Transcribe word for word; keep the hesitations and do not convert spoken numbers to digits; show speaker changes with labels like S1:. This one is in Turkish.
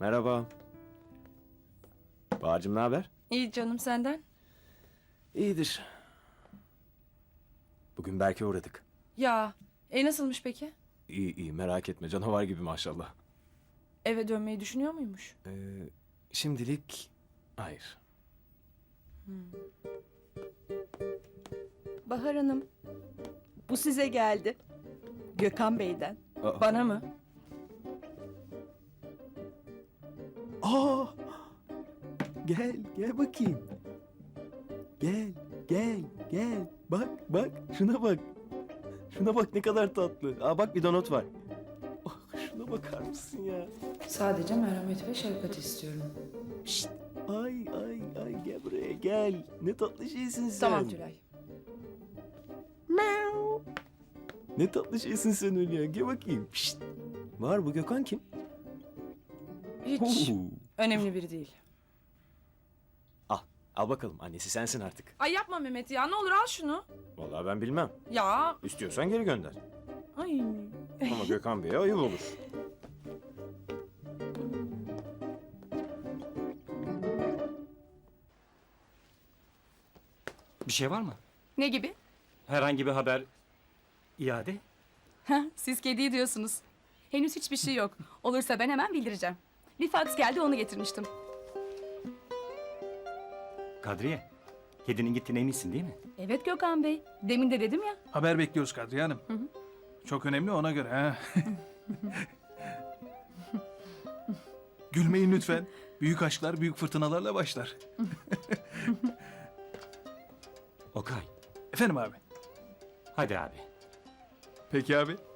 S1: Merhaba. Bahar'cığım ne haber?
S2: İyi canım, senden?
S1: İyidir. Bugün Berk'e uğradık.
S2: Ya, e nasılmış peki?
S1: İyi iyi merak etme canavar gibi maşallah.
S2: Eve dönmeyi düşünüyor muymuş?
S1: Ee, şimdilik hayır.
S3: Bahar Hanım, bu size geldi. Gökhan Bey'den.
S1: Aa,
S2: Bana mı?
S1: Aa! Gel gel bakayım. Gel gel gel. Bak bak şuna bak. Şuna bak ne kadar tatlı. Aa bak bir donut var. Oh, şuna bakar mısın ya?
S2: Sadece merhamet ve şefkat istiyorum.
S1: Şşt. Ay ay ay gel buraya gel. Ne tatlı şeysin sen.
S2: Tamam Tülay.
S1: Ne tatlı şeysin sen öyle ya. Gel bakayım. Şşt. Var bu Gökhan kim?
S2: Hiç
S1: Oo.
S2: önemli biri değil.
S1: Al. Al bakalım. Annesi sensin artık.
S2: Ay yapma Mehmet ya, ne olur al şunu.
S1: Vallahi ben bilmem.
S2: Ya,
S1: İstiyorsan geri gönder.
S2: ay.
S1: Ama Gökhan Bey'e ayıp olur.
S4: Bir şey var mı?
S5: Ne gibi?
S4: Herhangi bir haber, iade?
S5: Heh, siz kediyi diyorsunuz. Henüz hiçbir şey yok. Olursa ben hemen bildireceğim. Bir faks geldi, onu getirmiştim.
S4: Kadriye, kedinin gittiğine eminsin değil mi?
S5: Evet Gökhan Bey. Demin de dedim ya.
S6: Haber bekliyoruz Kadriye Hanım. Çok önemli ona göre ha. Gülmeyin lütfen. Büyük aşklar büyük fırtınalarla başlar.
S4: Okay,
S6: Efendim abi.
S4: hadi abi.
S6: Peki abi.